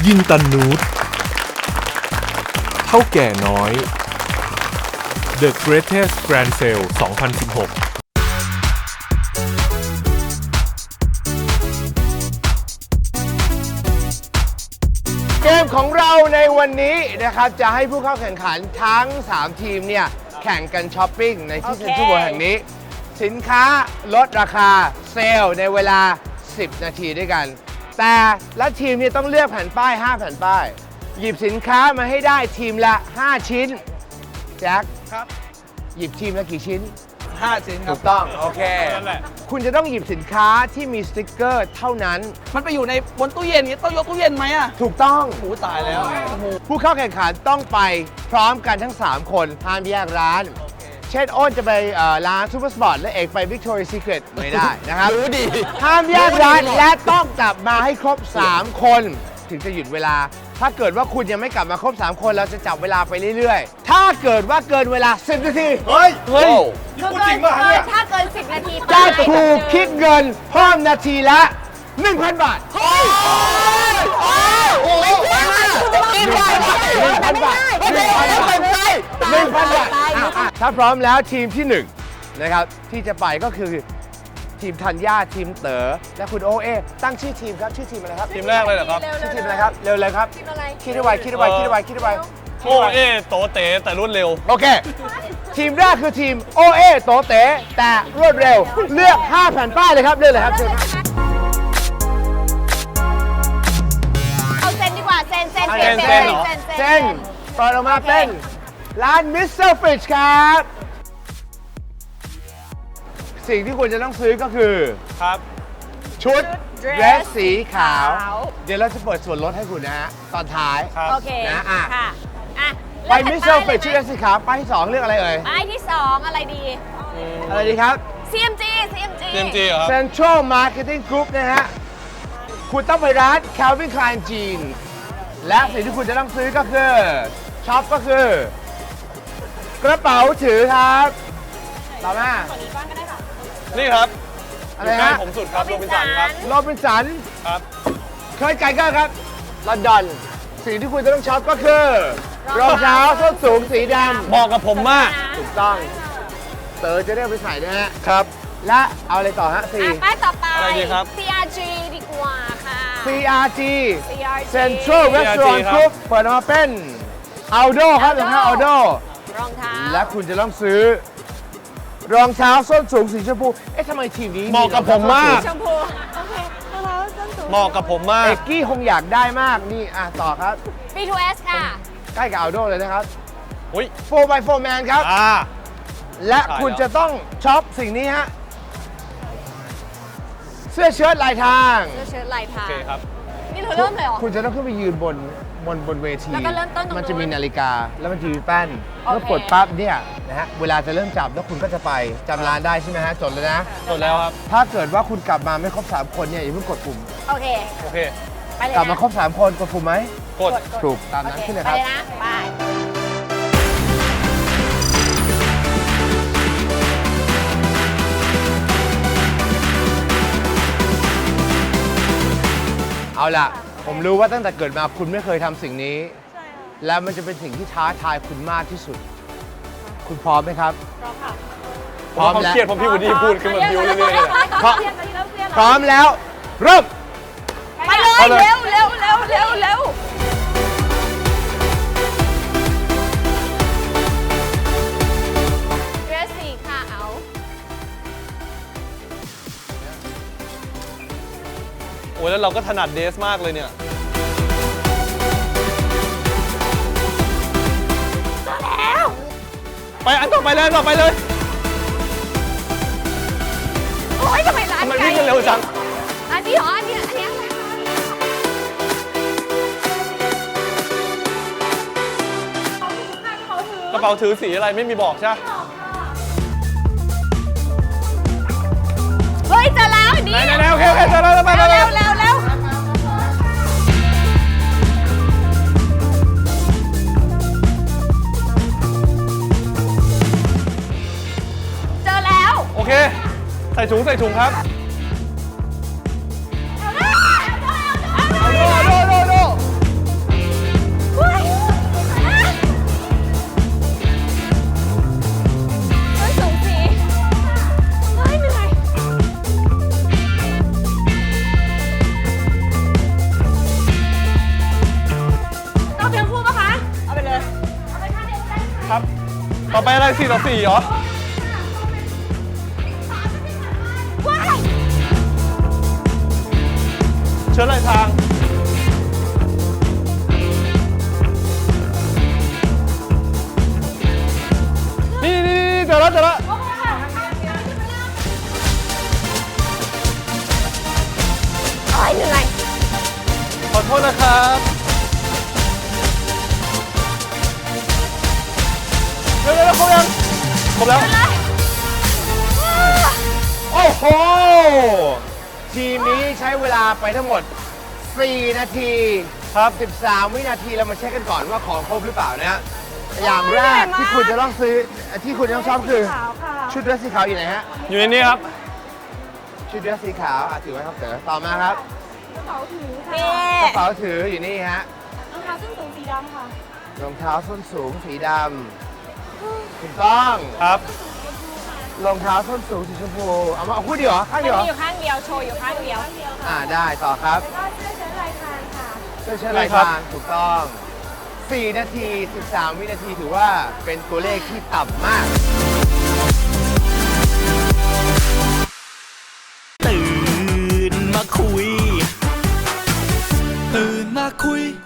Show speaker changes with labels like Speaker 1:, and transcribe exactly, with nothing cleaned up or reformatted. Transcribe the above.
Speaker 1: ยินตันนูตเท่าแก่น้อย The Greatest Grand Sale สองพันสิบหก
Speaker 2: เกมของเราในวันนี้นะครับจะให้ผู้เข้าแข่งขันทั้งสามทีมเนี่ยแข่งกันช้อปปิ้งในที่เซ็นทรัลเวิลด์แห่งนี้สินค้าลดราคาเซลล์ในเวลาสิบนาทีด้วยกันแต่ละทีมเนี่ยต้องเลือกแผ่นป้ายห้าแผ่นป้ายหยิบสินค้ามาให้ได้ทีมละห้าชิ้นแจ็ค
Speaker 3: ครับ
Speaker 2: หยิบทีมละกี่ชิ้น
Speaker 3: ห้าชิ้นครั
Speaker 2: ถู
Speaker 3: บ
Speaker 2: กต้องโอเค
Speaker 3: นั่นแหละ
Speaker 2: คุณจะต้องหยิบสินค้าที่มีสติ๊กเกอร์เท่านั้น
Speaker 3: มันไปอยู่ในบนตู้เย็นนี้ต้องยกตู้เย็นไหมอ่ะ
Speaker 2: ถูกต้อง
Speaker 3: โอ้ตายแล้วโอ้โห
Speaker 2: ผู้เข้าแข่งขันต้องไปพร้อมกันทั้ง สาม คนห้ามแยกร้าน เช่นอ้นจะไปเอ่อร้านซูเปอร์สปอร์ตและเอกไป Victoria's Secret ไม่ได้นะครับ
Speaker 3: รู้ดี
Speaker 2: ห้ามแยกร้านและต้องกลับมาให้ครบ สาม คน ถึงจะหยุดเวลา ถ้าเกิดว่าคุณยังไม่กลับมาครบ สาม คนเราจะจับเวลาไปเรื่อยๆ ถ้าเกิดว่าเกินเวลา สิบ นาที เฮ้ย เฮ้ย
Speaker 4: คือเกินเกินถ้าเกินสิบนาทีไป
Speaker 2: จะถูกคิดเงินเพิ่มนาทีละ หนึ่งพัน บาท
Speaker 4: โอ้ยโอ้ยหนึ่งพันบาท
Speaker 2: หนึ่งพันบาทหนึ่งพันบาทหนึ่งพันบาทอ่ะถ้าพร้อมแล้วทีมที่หนึ่งนะครับที่จะไปก็คือทีมธัญญาทีมเต๋อและคุณโอเอตั้งชื่อทีมครับชื่อทีมอะไรครับ
Speaker 5: ทีมแรกเลยเหรอครับ
Speaker 2: ชื่อทีมอะไรครับเร็วเลยครับ
Speaker 4: ทีมอะไร
Speaker 2: คิดให้ไวคิดให้ไวคิดให้ไวคิดให้ไว
Speaker 5: โอเอโตเต๋แต่รวดเร็ว
Speaker 2: โอเค ทีมแรกคือทีมโอเอโตเต๋แต่รวดเร็วเลือกห้าแผ่นป้ายเลยครับเลือกเลยครับเชิญครับ
Speaker 4: เอาเซนดีกว่าเซนเซน
Speaker 2: เอา
Speaker 4: เซน
Speaker 2: เส้น
Speaker 4: เซ
Speaker 2: เส้
Speaker 4: น
Speaker 2: นเปิดออกมาเป็นร้านมิสเตอร์ฟิชครับ สิ่งที่คุณจะต้องซื้อก็คือ
Speaker 5: ครับ
Speaker 2: ชุดเดรสสีขาว เดี๋ยวเราจะเปิดส่วนลดให้คุณนะฮะ ตอนท้าย
Speaker 5: ครับ
Speaker 4: โอเค
Speaker 2: นะอ่ะ
Speaker 4: ค่ะอ่ะ
Speaker 2: ไปมิสเตอร์ฟิชชุดเดรสสีขาวป้ายที่สองเลือกอะไรเอ่ย
Speaker 4: ป้ายที่สองอะไรดี
Speaker 2: อะไรดีครับ
Speaker 4: ซี เอ็ม จี ซี เอ็ม จี
Speaker 5: เตรียมจีเหรอครับ
Speaker 2: Central Marketing Group นะฮะ คุณต้องไปร้าน Calvin Klein Jeans และสิ่งที่คุณจะต้องซื้อก็คือช็อปก็คือ กระเป๋าถือครับต่อมา
Speaker 5: นี่ครับ
Speaker 2: อะไร
Speaker 5: ใกล้
Speaker 2: ฮะ
Speaker 5: ผมสุดครับโรบินสันครับ
Speaker 2: โรบินสัน
Speaker 5: ครับ
Speaker 2: เคยไก่ก็ครับลอนดอน สิ่งที่คุณจะต้องช็อปก็คือรองเท้าส้นสูงสีดำ
Speaker 5: เหมาะกับผมมาก
Speaker 2: ถูกต้อง เต๋อจะได้เอาไปใส่นะฮะ
Speaker 5: ครับ
Speaker 2: และเอาอะไรต่อฮะ
Speaker 4: อ่ะ
Speaker 2: สี่
Speaker 4: ป้ายต่อไป
Speaker 5: อะไรดีครับ
Speaker 4: ซี อาร์ จี ดีกว่าค่ะ
Speaker 2: ซี อาร์ จี
Speaker 4: ซี อาร์ จี
Speaker 2: Central Restaurant
Speaker 5: ครับ
Speaker 2: Group เปิดออกมาเป็นอัลโดครับรองเท้าอัลโด
Speaker 4: รองเท้า
Speaker 2: และคุณจะต้องซื้อ รองเท้าส้นสูงสีชมพู เอ๊ะทำไมทีมนี้
Speaker 5: เหมาะกับผมมาก
Speaker 4: ชมพูโอเครองเท้าส้นสูง
Speaker 5: เหมาะกับผมมา
Speaker 2: เอก กกี้คงอยากได้มาก นี่ อ่ะ ต่อครับ
Speaker 4: บี ทู เอส ค่ะ
Speaker 2: ใกล้กับอัลโดเลยนะครับ
Speaker 5: อุ้ย
Speaker 2: โฟร์ by โฟร์ Man ครับ
Speaker 5: อ่า
Speaker 2: และคุณจะต้องช็อปสิ่งนี้ฮะ เสื้อเชิ้ตลายทาง
Speaker 4: เสื้อเชิ้ตลายทา
Speaker 5: โอง เคครับ
Speaker 4: นี่เธอเริ่มเลยเหรอ
Speaker 2: คุณจะต้องขึ้นไปยืนบนบนบนเวที
Speaker 4: แล้วก็เริ่มต้นตรงนู้น
Speaker 2: มันจะมีนาฬิกา แล้วมันจะมีแป้น
Speaker 4: โอเค
Speaker 2: เมื่อกดปั๊บเนี่ยนะฮะ เวลาจะเริ่มจับแล้วคุณก็จะไปจำร้านได้ใช่ไหมฮะ จดเลยนะ
Speaker 5: จดแล้วครับ
Speaker 2: ถ้าเกิดว่าคุณกลับมาไม่ครบ สาม คนเนี่ยอย่าเพิ่งกดปุ่ม
Speaker 4: โอเค
Speaker 5: โอเค
Speaker 4: ไปเลย
Speaker 2: กลับมา
Speaker 4: นะ
Speaker 2: ครบ สาม คนกดปุ่มไหม
Speaker 5: กด
Speaker 2: ถูกตามนั้น
Speaker 4: โอ
Speaker 2: ขึ้นเลย
Speaker 4: ไป
Speaker 2: ครับ
Speaker 4: เลยนะ ไป
Speaker 2: เอาล่ะ ผมรู้ว่าตั้งแต่เกิดมาคุณไม่เคยทำสิ่งนี้ และมันจะเป็นสิ่งที่ท้าทายคุณมากที่สุด คุณพร้อมไหมครับ
Speaker 5: ผมว่าเขาเครียดเพราะพี่วูดดี้พูดขึ้นมาบิวเรื่อยๆเลยอะ
Speaker 2: พร้อมพร้อมแล้ว เริ่ม
Speaker 4: ไปเลย
Speaker 2: เอาเลย
Speaker 4: เร็วเร็วเร็วเร็วเร็วเดรสสีขาว
Speaker 5: โอ้ยแล้วเราก็ถนัดเดสมากเลยเนี่ย
Speaker 4: แล้ว
Speaker 5: ไปอันต่อไปเลยอันต่อไปเลย
Speaker 4: โอ้ยทำไมร้าน
Speaker 5: ทำไม
Speaker 4: ไกล
Speaker 5: วิ่งกันเร็วจัง
Speaker 4: อันนี้เหรออันนี้อันนี้อะไรคะ
Speaker 5: กระเป๋าถือสีอะไรไม่มีบอกใช่ไหม
Speaker 4: เฮ้ยเจอแล้วนี่
Speaker 5: ไหนๆๆโอเคโอเคเจอแล้วไปไปไป
Speaker 4: เร็วเร็วเร็วเจอแล้ว
Speaker 5: โอเค ใส่ถุงใส่ถุงครับ
Speaker 4: เอา
Speaker 5: โดโดโดโดอะไรสี่ต่อสี่เหรอ เชิญเลยทาง นี่นี่นี่เจอแล้วเจอแล้ว
Speaker 4: โอ้ยเหนื่อย
Speaker 5: ขอโทษนะครับเร็วเร็วครบยังครบแล้ว
Speaker 2: โอ้โห ทีมนี้ใช้เวลาไปทั้งหมด สี่ นาที
Speaker 5: ครับ
Speaker 2: สิบสาม วินาทีเรามาเช็คกันก่อนว่าของครบหรือเปล่านะฮะอย่างแรกที่คุณจะต้องซื้อที่คุณต้องชอบคือ ชุดเดรสสีขาวอยู่ไหนฮะ
Speaker 5: อยู่ในนี้ครับ
Speaker 2: ชุดเดรสสีขาวอ่ะถือไว้ครับเต๋อต่อมาครับ
Speaker 4: นี่
Speaker 2: กระเป๋าถืออยู่นี่ฮะ
Speaker 6: รองเท้าส้นสูงสีดำค่ะ
Speaker 2: รองเท้าส้นสูงสีดำถูกต้อง
Speaker 5: ครับ
Speaker 2: รองเท้าส้นสูงสีชมพูเอามาเอาคู่เดียวเหรอข้างเดียวเหรอ
Speaker 6: มีอยู่ข้างเดียว โชว์อยู่ข้างเดียว
Speaker 2: อ่าได้ต่อครับ
Speaker 6: ก็เสื้อเชิ้ตลายพรางค่ะ
Speaker 2: เสื้อเชิ้ตลายพรางถูกต้อง สี่ นาที สิบสาม วินาทีถือว่าเป็นตัวเลขที่ต่ำมาก
Speaker 7: ตื่นมาคุย ตื่นมาคุย